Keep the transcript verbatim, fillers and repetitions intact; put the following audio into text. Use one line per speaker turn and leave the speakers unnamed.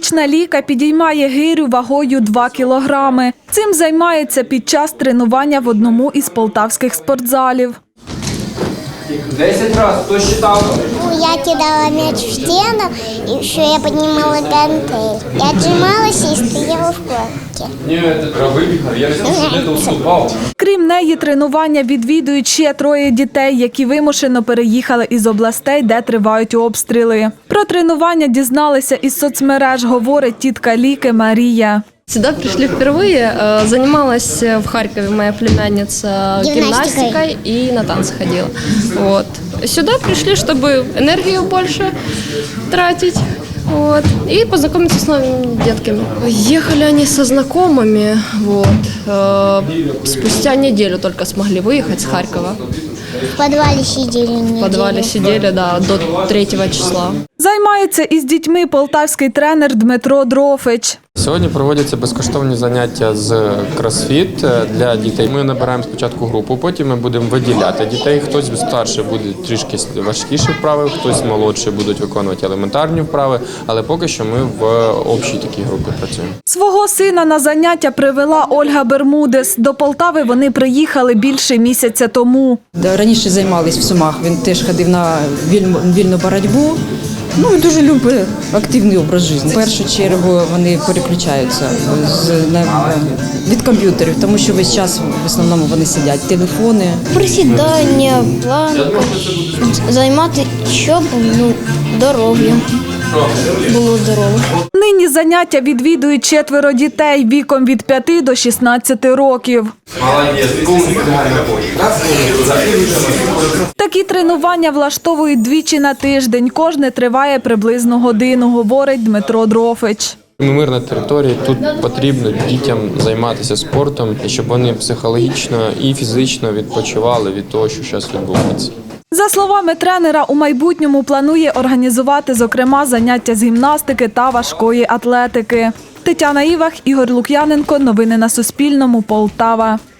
Семирічна Ліка підіймає гирю вагою два кілограми. Цим займається під час тренування в одному із полтавських спортзалів.
Десять разів, хто считав?
Я кидала мяч в стену, и еще я поднимала гантель. Я отжималась и стояла в корке.
Ні, це вибігав, я не уступав.
Крім неї, тренування відвідують ще троє дітей, які вимушено переїхали із областей, де тривають обстріли. Про тренування дізналися із соцмереж, говорить тітка Ліки Марія.
Сюда пришли впервые. Занималась в Харькове моя племянница
Гимнастикой.
гимнастикой и на танцы ходила. Вот. Сюда пришли, чтобы энергию больше тратить. Вот. И познакомиться с новыми детками. Ехали они со знакомыми. Вот. Спустя неделю только смогли выехать с Харькова.
В подвале сидели неделю.
В подвале сидели, да, до третьего числа.
Займається із дітьми полтавський тренер Дмитро Дрофич.
Сьогодні проводяться безкоштовні заняття з кросфіт для дітей. Ми набираємо спочатку групу, потім ми будемо виділяти дітей. Хтось старший буде трішки важкіші вправи, хтось молодший будуть виконувати елементарні вправи, але поки що ми в общій такій групі працюємо.
Свого сина на заняття привела Ольга Бермудес. До Полтави вони приїхали більше місяця тому.
Раніше займались в Сумах, він теж ходив на вільну, вільну боротьбу. Ну, і дуже любить активний образ життя. В першу чергу вони переключаються з, на, від комп'ютерів, тому що весь час в основному вони сидять, телефони.
Присідання, планка, займати, щоб ну, здоров'я було здорове.
Нині заняття відвідують четверо дітей віком від п'яти до шістнадцяти років. Такі тренування влаштовують двічі на тиждень. Кожне триває приблизно годину, говорить Дмитро Дрофич.
Ми мирна територія, тут потрібно дітям займатися спортом, щоб вони психологічно і фізично відпочивали від того, що зараз відбувається.
За словами тренера, у майбутньому планує організувати, зокрема, заняття з гімнастики та важкої атлетики. Тетяна Івах, Ігор Лук'яненко. Новини на Суспільному. Полтава.